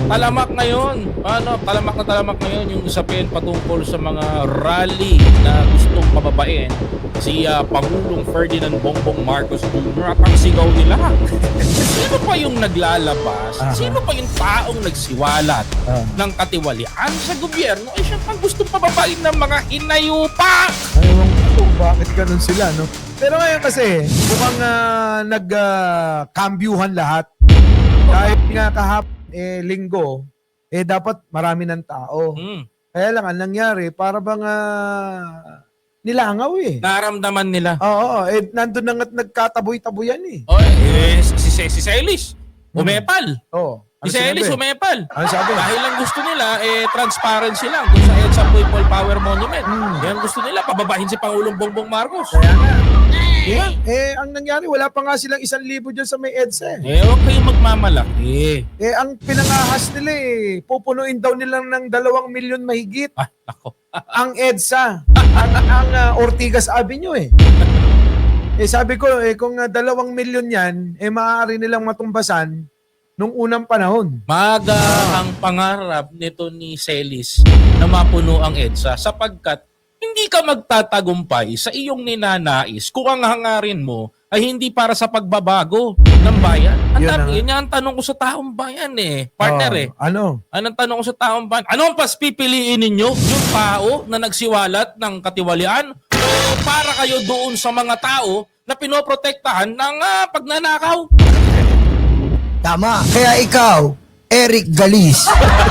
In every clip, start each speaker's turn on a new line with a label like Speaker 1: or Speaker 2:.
Speaker 1: Talamak ngayon. Talamak na talamak ngayon yung usapin patungkol sa mga rally na gustong pababain si Pangulong Ferdinand Bongbong Marcos Jr. at ang sigaw nila. Sino pa yung naglalabas? Sino pa yung taong nagsiwalat ng katiwalian sa gobyerno? Eh siya pang gustong pababain ng mga hinayupa.
Speaker 2: Ewan ko kung bakit ganun sila, no? Pero ngayon kasi, mukhang nagkambyuhan lahat. Dahil nga kahapon, linggo, dapat marami ng tao. Kaya lang, ang nangyari, para bang nilangaw eh.
Speaker 1: Naramdaman nila.
Speaker 2: Oo, nandun na nga't nagkataboy-taboyan eh.
Speaker 1: Si Celis, umepal.
Speaker 2: Oo.
Speaker 1: Si Celis, umepal.
Speaker 2: Ano sabi?
Speaker 1: Dahil lang gusto nila, transparency lang kung sa EDSA People Power Monument. Yan gusto nila, pababahin si Pangulong Bongbong Marcos.
Speaker 2: Kaya nga. Diba? Ang nangyari, wala pa nga silang 1,000 dyan sa may EDSA.
Speaker 1: Huwag kayong magmamalaki.
Speaker 2: Ang pinangahas nila pupunuin daw nilang ng 2 milyon mahigit.
Speaker 1: Ako.
Speaker 2: Ang EDSA, ang Ortigas Avenue sabi ko, kung 2 milyon yan, maaari nilang matumbasan nung unang panahon.
Speaker 1: Maga ang pangarap nito ni Celis na mapuno ang EDSA sapagkat hindi ka magtatagumpay sa iyong ninanais kung ang hangarin mo ay hindi para sa pagbabago ng bayan. Yun ang tanong ko sa taong bayan partner
Speaker 2: Ano?
Speaker 1: Anong tanong ko sa taong bayan? Anong pas pipiliin ninyo? Yung tao na nagsiwalat ng katiwalian? O para kayo doon sa mga tao na pinoprotektahan ng pagnanakaw?
Speaker 3: Tama. Kaya ikaw, Eric Galis.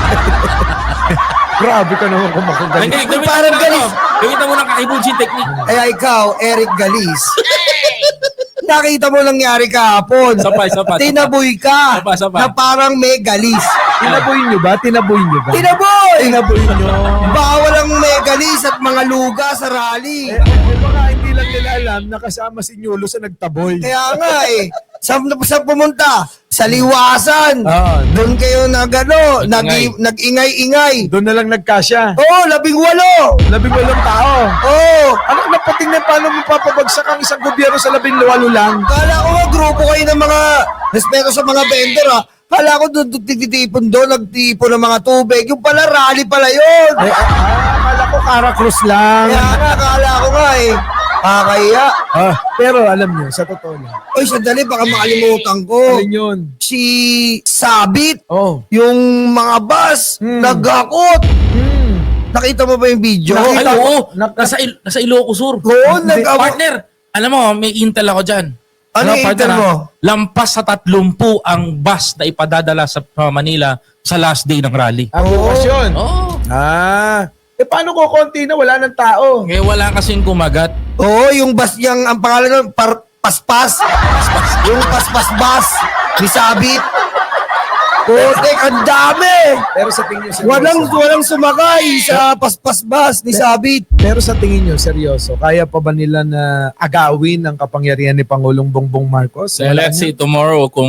Speaker 2: Grabe ka naman kumakagalit.
Speaker 3: Parang galis.
Speaker 1: Gawin mo ng kakibunsin technique.
Speaker 3: Kaya ikaw, Eric Galis. Nakita mo nangyari kahapon.
Speaker 1: Sapay.
Speaker 3: Tinaboy ka.
Speaker 1: Sapay.
Speaker 3: Na parang may galis.
Speaker 2: Tinaboy nyo ba?
Speaker 3: Tinaboy!
Speaker 2: Tinaboy nyo.
Speaker 3: Bawal ang may galis at mga luga sa rally.
Speaker 2: Baka hindi lang nila alam na kasama si Nyulo sa nagtaboy.
Speaker 3: Kaya nga sa pumunta? Sa liwasan. Doon kayo nag-ingay-ingay.
Speaker 2: Doon na lang nagkasya.
Speaker 3: Oo, 18.
Speaker 2: 18 tao.
Speaker 3: Oo.
Speaker 2: Ano napatingnan paano mo papabagsak ang isang gobyerno sa 18 lang?
Speaker 3: Kala ko nga grupo kayo ng mga respeto sa mga vendor Kala ko doon titipon doon, nagtipon ng mga tubig. Yung pala, rally pala yun.
Speaker 2: Akala ko Caracruz lang.
Speaker 3: Kaya nga, akala ko nga Kakaya.
Speaker 2: Pero alam niyo, sa totoo lang.
Speaker 3: Oy, sandali, baka makalimutan ko.
Speaker 2: Alin yun?
Speaker 3: Si Sabit,
Speaker 2: Oh.
Speaker 3: yung mga bus, naghakot. Nakita mo ba yung video?
Speaker 1: Ay, oo. Nasa Ilocos Sur.
Speaker 3: Oo,
Speaker 1: Partner, alam mo, may intel ako dyan.
Speaker 3: Ano yung
Speaker 1: partner,
Speaker 3: intel mo?
Speaker 1: Lampas sa 30 ang bus na ipadadala sa Manila sa last day ng rally.
Speaker 2: Ang okasyon.
Speaker 1: Oo.
Speaker 2: Paano ko konti na wala ng tao?
Speaker 1: Wala kasing kumagat.
Speaker 3: Oo, yung bus niyang, ang pangalan nun, Paspas. Yung Paspas bus ni Sabit. Putek, ang dami!
Speaker 2: Pero sa tingin niyo,
Speaker 3: Walang sumakay sa Paspas bus ni Sabit.
Speaker 2: Pero sa tingin niyo, seryoso, kaya pa ba nila na agawin ang kapangyarihan ni Pangulong Bongbong Marcos?
Speaker 1: Let's see tomorrow kung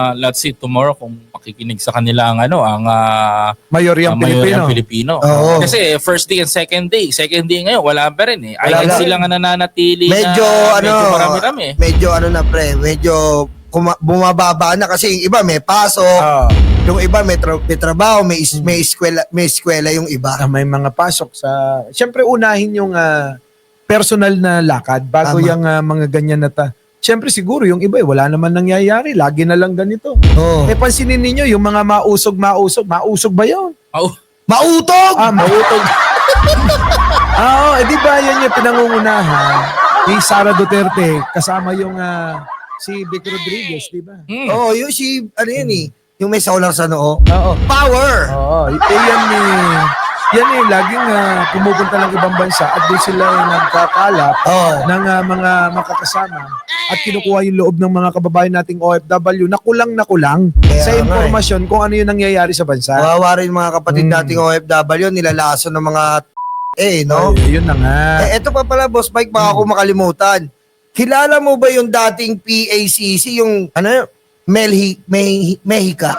Speaker 1: makikinig sa kanila ang
Speaker 2: Mayoryang
Speaker 1: Pilipino.
Speaker 3: Oo.
Speaker 1: Kasi first day and second day ngayon wala pa rin
Speaker 3: Wala
Speaker 1: Ay
Speaker 3: lang.
Speaker 1: sila nga nananatili
Speaker 3: Medyo
Speaker 1: marami-rami.
Speaker 3: Medyo medyo bumababa na kasi yung iba may pasok, yung iba may trabaho, may eskwela yung iba.
Speaker 2: May mga pasok sa... Siyempre, unahin yung personal na lakad bago
Speaker 3: Tama.
Speaker 2: yung mga ganyan na Siyempre, siguro yung iba, wala naman nangyayari. Lagi na lang ganito.
Speaker 3: Oh.
Speaker 2: Pansinin ninyo, yung mga mausog ba yun?
Speaker 3: Mautog!
Speaker 2: Mautog. Di ba yan yung pinangungunahan ni Sara Duterte kasama yung si Vic Rodriguez, di ba?
Speaker 3: Oh, yung yung may saulang sa noo.
Speaker 2: Oo.
Speaker 3: Power!
Speaker 2: Yan laging pumupunta ng ibang bansa at doon sila nagkakalap ng mga makakasama at kinukuha yung loob ng mga kababayan nating OFW na kulang
Speaker 3: Kaya
Speaker 2: sa
Speaker 3: nga
Speaker 2: impormasyon kung ano yung nangyayari sa bansa.
Speaker 3: Kawawa rin mga kapatid nating OFW, nilalaso ng mga no?
Speaker 2: Yun na nga.
Speaker 3: Eto pa pala, Boss Mike, baka ako makalimutan. Kilala mo ba yung dating PACC, yung Mexica?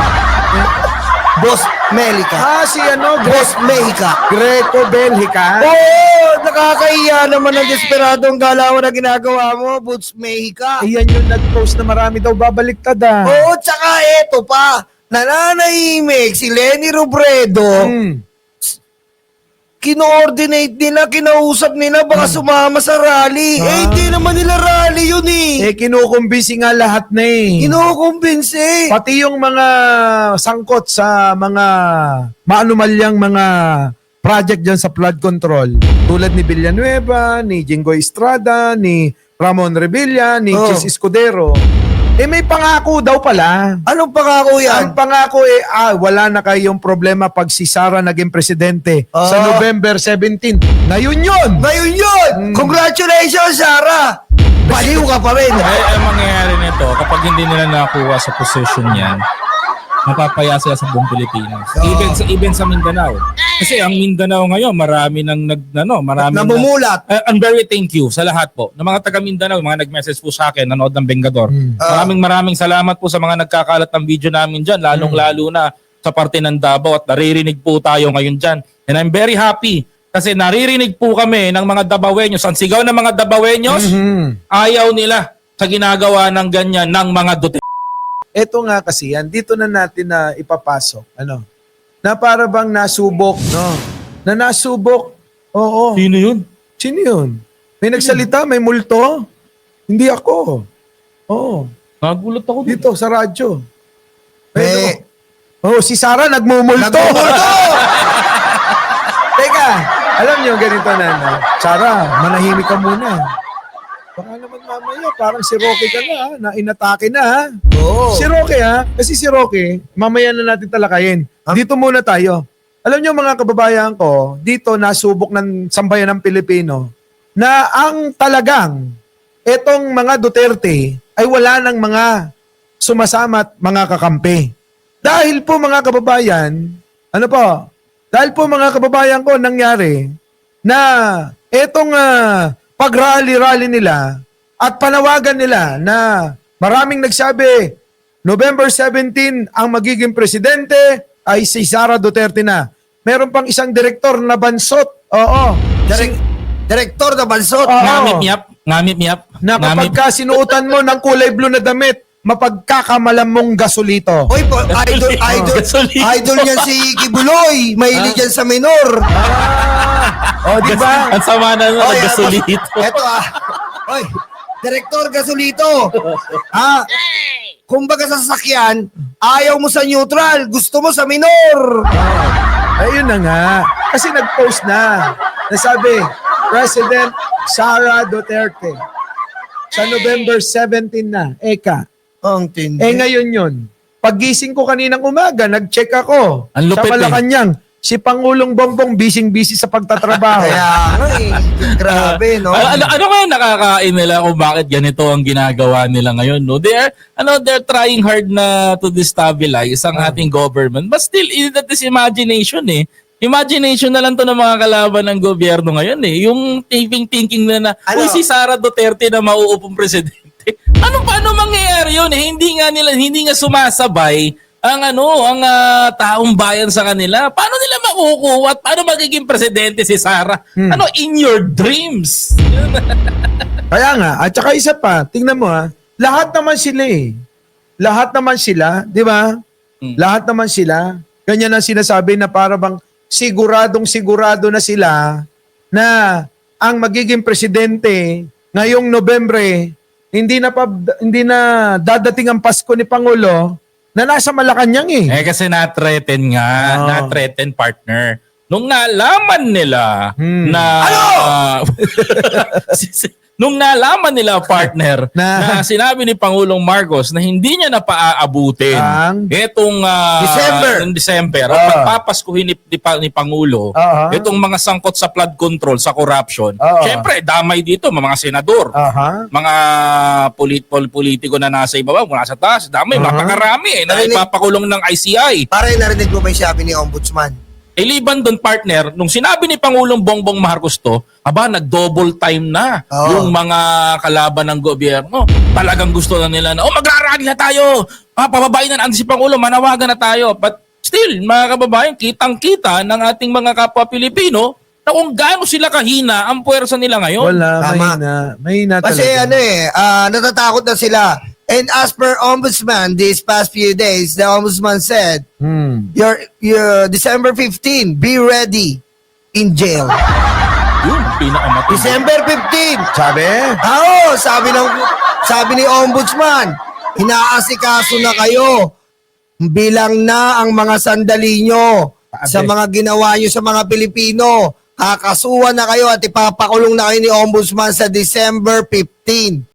Speaker 3: Boss Melica.
Speaker 2: Si
Speaker 3: Boss Mexica.
Speaker 2: Greco Belgica.
Speaker 3: Oo, nakakahiya naman ang desperadong galawan na ginagawa mo, Boss Mexica.
Speaker 2: Iyan yung nag-post na marami daw babaliktad
Speaker 3: Oo, tsaka eto pa. nananahimik si Lenny Robredo, kino-ordinate nila, kinausap nila, baka sumama sa rally. Eh, hindi naman nila rally yun eh.
Speaker 2: Kinukumbisi nga lahat na eh.
Speaker 3: Kinukumbinsi.
Speaker 2: Pati yung mga sangkot sa mga maanumalyang mga project dyan sa flood control. Tulad ni Villanueva, ni Jinggoy Estrada, ni Ramon Revilla, ni
Speaker 3: Oh.
Speaker 2: Chis Escudero. May pangako daw pala.
Speaker 3: Anong pangako
Speaker 2: Ang
Speaker 3: yan?
Speaker 2: pangako wala na kayong problema pag si Sara naging presidente sa November 17. Ngayon yun!
Speaker 3: Ngayon yun! Congratulations, Sarah! Baliw ka pa rin.
Speaker 1: Ang mangyayari nito, kapag hindi nila nakuha sa position yan, mapapaya sila sa buong Pilipinas. Even sa Mindanao. Kasi ang Mindanao ngayon, marami nang
Speaker 3: Namumulat.
Speaker 1: I'm very thank you sa lahat po. Ng mga taga Mindanao, mga nag-message po sa akin, nanood ng Bengador. Maraming salamat po sa mga nagkakalat ng video namin dyan, lalong-lalo na sa parte ng Davao at naririnig po tayo ngayon dyan. And I'm very happy kasi naririnig po kami ng mga Dabawenyos. Ang sigaw ng mga Dabawenyos, ayaw nila sa ginagawa ng ganyan ng mga Duterte.
Speaker 2: Ito nga kasi yan, dito na natin na ipapasok. Na para bang nasubok, no? Na nasubok. Oo.
Speaker 1: Sino yun?
Speaker 2: Sino yun? May nagsalita, may multo? Hindi ako. Oo.
Speaker 1: Nagulat ako dito.
Speaker 2: Dito sa radyo.
Speaker 3: Eh,
Speaker 2: Si Sara nagmumulto. Teka, alam niyo ganito na. Sara, manahimik ka muna. Baka naman mamaya, parang si Roque ka na inatake na ha.
Speaker 3: Oo.
Speaker 2: Si Roque kasi si Roque, mamaya na natin talakayin. Dito muna tayo. Alam niyo mga kababayan ko, dito nasubok ng sambayan ng Pilipino na ang talagang etong mga Duterte ay wala ng mga sumasama at mga kakampi. Dahil po mga kababayan, dahil po mga kababayan ko nangyari na etong pag-rally-rally nila at panawagan nila na maraming nagsabi, November 17 ang magiging presidente ay si Sara Duterte na. Meron pang isang direktor na bansot. Oo.
Speaker 3: Direktor na bansot.
Speaker 2: Oo.
Speaker 1: Ngamit miyap.
Speaker 2: Na kapag ka sinuotan mo ng kulay blue na damit, mapagkakamalam mong gasolito.
Speaker 3: Oy, idol niyan si Kibuloy. Mahilig yan sa minor.
Speaker 2: Di ba?
Speaker 1: Ang sama na nun, gasolito.
Speaker 3: Eto Oy, Direktor Gasolito. Kumbaga sa sasakyan, ayaw mo sa neutral, gusto mo sa minor.
Speaker 2: Ayun na nga. Kasi nag-post na. Nasabi, President Sara Duterte. Sa November 17 na. Eka.
Speaker 3: Ang tindi.
Speaker 2: Ngayon yun. Paggising ko kaninang umaga, nag-check ako.
Speaker 1: Ang lupit
Speaker 2: sa Malacanang. Si Pangulong Bongbong busy sa pagtatrabaho.
Speaker 3: Kaya grabe, no?
Speaker 1: Ano kaya nakakain nila kung bakit ganito ang ginagawa nila ngayon, no? They're trying hard na to destabilize ang ating government. But still, that is imagination eh. Imagination na lang to ng mga kalaban ng gobyerno ngayon eh. Yung thinking na uy, si Sara Duterte na mauupong presidente. Paano mangyayari yun eh? Hindi nga sumasabay ang taong bayan sa kanila. Paano nila makukuha at paano magiging presidente si Sara? In your dreams.
Speaker 2: Kaya nga, at saka isa pa, tingnan mo lahat naman sila eh. Lahat naman sila, di ba? Lahat naman sila. Ganyan ang sinasabi na para bang sigurado na sila na ang magiging presidente ngayong Nobyembre, hindi na dadating ang Pasko ni Pangulo na nasa Malacanang eh.
Speaker 1: Kasi na-threaten nga. Na-threaten partner. Nung nalaman nila na... Nung nalaman nila, partner, na sinabi ni Pangulong Marcos na hindi niya na paaabutin itong December at pagpapaskuhin ni Pangulo itong mga sangkot sa flood control, sa corruption. Siyempre, damay dito, mga senador, mga politiko na nasa ibaba, mula sa taas, damay, mapakarami na ipapakulong ng ICI.
Speaker 3: Para narinig mo ba yung sabi ni Ombudsman?
Speaker 1: Liban doon, partner, nung sinabi ni Pangulong Bongbong Marcos to, nag-double time na yung mga kalaban ng gobyerno. Talagang gusto na nila na, magrarally na tayo. Pababain na si Pangulo, manawagan na tayo. But still, mga kababayan, kitang-kita ng ating mga kapwa Pilipino na kung gaano sila kahina ang puwersa nila ngayon.
Speaker 2: Wala, mahina. Mahina talaga.
Speaker 3: Kasi natatakot na sila. And as per Ombudsman, these past few days, the Ombudsman said, your December 15, be ready in jail.
Speaker 1: Yun, pinakamatindi.
Speaker 3: December 15.
Speaker 2: Sabi?
Speaker 3: Oo, sabi ni Ombudsman, inaasikaso na kayo. Bilang na ang mga sandali nyo sa mga ginawa nyo sa mga Pilipino. Kakasuhan na kayo at ipapakulong na kayo ni Ombudsman sa December 15.